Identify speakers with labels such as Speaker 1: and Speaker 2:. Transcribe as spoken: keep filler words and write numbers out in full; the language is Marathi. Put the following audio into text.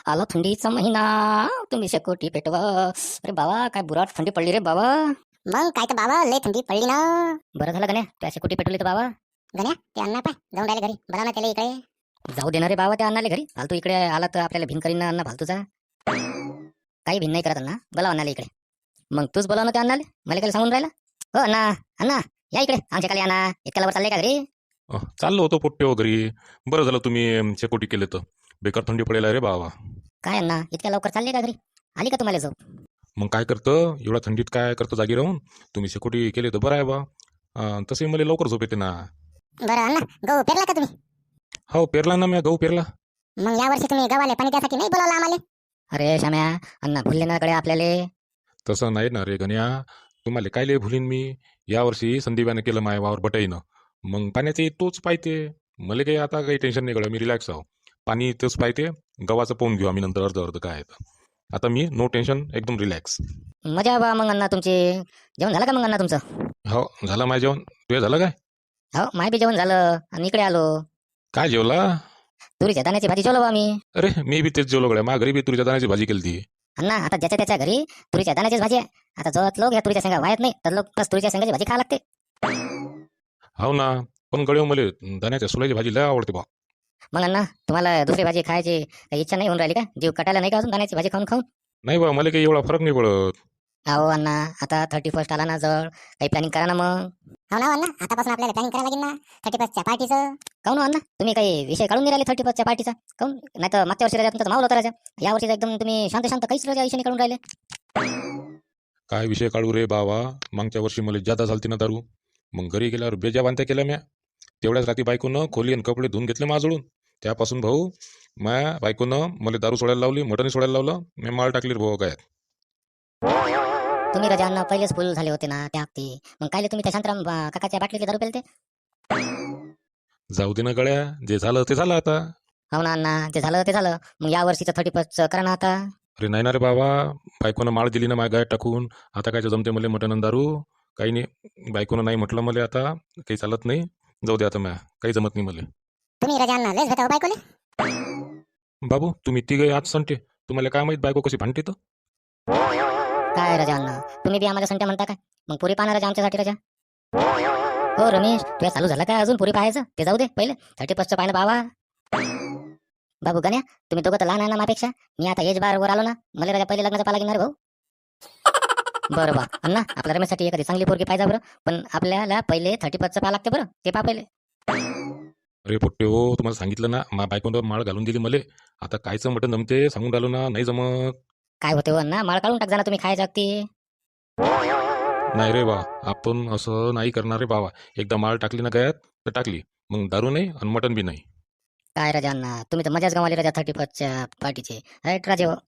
Speaker 1: आला थंडीचा महिना तुम्ही शेकोटी पेटवा. अरे बाबा काय बुराट थंडी पडली रे बाबा.
Speaker 2: मग काय तर बाबा लय थंडी पडली ना.
Speaker 1: बरं झालं गण्या त्या शेकोटी पेटवली तर बाबा.
Speaker 2: गण्या ते अण्णा पाय जाऊन राहिले घरी, बरा ना त्याला इकडे.
Speaker 1: जाऊ देणार रे बाबा त्या अण्णाले घरी. फालतू इकडे आला तर आपल्याला भिन करीन ना अण्णा फालतूचा. काही भिन नाही करत अण्णा, बोलाव अण्णाला इकडे. मग तूच बोलाव ना त्या अण्णाले, मला काय सांगून राहिला. हो अण्णा, अण्णा या इकडे आमच्या खाली अण्णा. इतक्या लवकर चालले का घरी?
Speaker 3: अह, चाललो होतो पोट्टे वगैरे. बरं झालं तुम्ही अम, शेकोटी केले तर. बेकार थंडी पडेल रे बाबा.
Speaker 1: काय अण्णा इतक्या लवकर चालले का घरी? आली का तुम्हाला झोप?
Speaker 3: मग काय करतं एवढ्या थंडीत, काय करतं जागी राहून. तुम्ही शेकोटी केले तर बरं आहे बा. अं, तसे मला लवकर झोप येते ना.
Speaker 2: बरं अण्णा, गहू पेरला का तुम्ही?
Speaker 3: हो पेरला ना, मी गहू पेरला.
Speaker 2: मग यावर्षी तुम्ही गव्हाले पाणी त्यासाठी नाही बोलावलं आम्हाला?
Speaker 1: अरे श्याम्या, अण्णा भुलले ना कडे आपल्याले.
Speaker 3: तसं नाही ना रे गण्या. तुम्हाला काय लय भुलीन मी. यावर्षी संदीपाने केलं माय वावर बटाईनं. मग पाण्याचे तोच पाहिजे. मला काही आता काही टेन्शन नाही गळं, मी रिलॅक्स आहो. पाणी तोच पाहिजे. गव्हाचं पाहून घेऊ आम्ही नंतर अर्ध अर्ध काय आहे तर. आता मी नो टेन्शन, एकदम रिलॅक्स.
Speaker 1: मजा आहे बा मग अण्णा तुमची. जेवण झालं का मग अण्णा तुमचं?
Speaker 3: हो झालं माझं जेवण. तुझं झालं काय?
Speaker 1: हो माय बी जेवण झालं आणि इकडे आलो.
Speaker 3: काय जेवला?
Speaker 1: तुरीच्या दाण्याची भाजी जेवलो बा मी.
Speaker 3: अरे मी बी तेच जेवलो गड्या. माझ्या घरी बी तुरीच्या दाण्याची भाजी केली ती.
Speaker 1: अण्णा आता ज्याच्या त्याच्या घरी तुरीच्या दाण्याचीच भाजी आहे. आता जवळ लोक या तुरीच्या शेंगा वाहत नाही तर लोक बस तुरीच्या शेंगाची भाजी खा लागते.
Speaker 3: हो ना. पण गड्या मला दाण्याच्या सोल्याची भाजी लय आवडते बा.
Speaker 1: मग अण्णा तुम्हाला दुसरी भाजी खायची काही इच्छा नाही होऊन राहिली का? जीव कटायला नाही का अजून दाण्याची भाजी खाऊन खाऊन?
Speaker 3: नाही बा, मला काही एवढा फरक नाही पडत.
Speaker 1: अहो अण्णा आता थर्टी फर्स्ट आला ना जवळ, काही प्लॅनिंग करा ना मग.
Speaker 2: हो ना अण्णा, आतापासून आपल्याला प्लॅनिंग करायला लागेल ना थर्टी फर्स्टच्या पार्टीचं.
Speaker 1: काऊन अण्णा तुम्ही काही विषय काढून नाही राहिले थर्टी फर्स्टच्या पार्टीचा? काऊन नाही तर मागच्या वर्षी राजा तुमचा मावलं होता राजा. या वर्षी एकदम तुम्ही शांत शांत काहीच राजा विषय नाही काढून राहिले.
Speaker 3: काय विषय काढू रे बाबा. मागच्या वर्षी मला जादा झालती ना दारू. मग घरी गेल्यावर बेजा बांध्या केल्या म्या. तेवढ्याच रात्री बायकोनं खोली आणि कपडे धुवून घेतले माझळून. त्यापासून भाऊ माया बायकोनं मला दारू सोडायला लावली, मटण सोडायला लावलं. मी माळ टाकली रे भाऊ काय.
Speaker 1: तुम्ही राजा अण्णा पहिलेच फुल झाले होते ना त्या हप्ती. मग कायले तुम्ही त्या शांतराम अं, काकाच्या बाटलीतले दारू पेलते?
Speaker 3: जाऊ दे ना गड्या, जे झालं ते झालं आता.
Speaker 1: हो ना अण्णा, जे झालं ते झालं. मग या वर्षीचं थर्टी फर्स्ट करा ना आता.
Speaker 3: अरे नाही ना रे बाबा. बायकोनं माळ दिली ना माझ्या गायत टाकून. आता काय जमते मला मटण आणि दारू. काही नाही. बायकोनं नाही म्हटलं मला आता काही चालत नाही. जाऊ दे आता म्या, काही जमत नाही मला.
Speaker 2: तुम्ही राजा अण्णा लयच भेटावं बायकोले.
Speaker 3: बाबू तुम्ही तिघे आज संटे. तुम्हाला काय माहित बायको कशी भांडते तर.
Speaker 1: काय राजा अण्णा तुम्ही बी आम्हाला संट्या म्हणता काय? मग पुरी पाहणार राजा आमच्यासाठी राजा. हो रमेश तुझ्या चालू झालं काय अजून पुरी पाहायचं? ते जाऊ दे पहिले थर्टी फर्स्टचं पाहिलं बाबा. बाबू गण्या तुम्ही दोघं तर लहान आहे ना माझ्यापेक्षा. मी आता एज बार वर आलो ना, मला राजा पहिले लग्नाचा पाला घेणार भाऊ. बरं बा अण्णा आपल्या रमेशसाठी एखादी चांगली पोरगी पाहिजे बरं. पण आपल्याला पहिले थर्टी फर्स्टचं पाहा लागते बरं, ते पा पहिले.
Speaker 3: अरे पोट्टे हो, तुम्हाला सांगितलं ना मा बायकोनं माळ घालून दिली मले. आता कायचं मटण जमते सांगून राहिलो ना, नाही जमत.
Speaker 1: काय होते हो अण्णा, माळ काढून टाक जा ना तुम्ही खायच्या अगती.
Speaker 3: नाही रे बा, आपण असं नाही करणार रे बाबा. एकदा माळ टाकली ना गळ्यात तर टाकली. मग दारू नाही आणि मटण बी नाही.
Speaker 1: काय राजा अण्णा तुम्ही तर मजाच गमावली राजा थर्टी फर्स्टच्या पार्टीची. राईट राजे हो.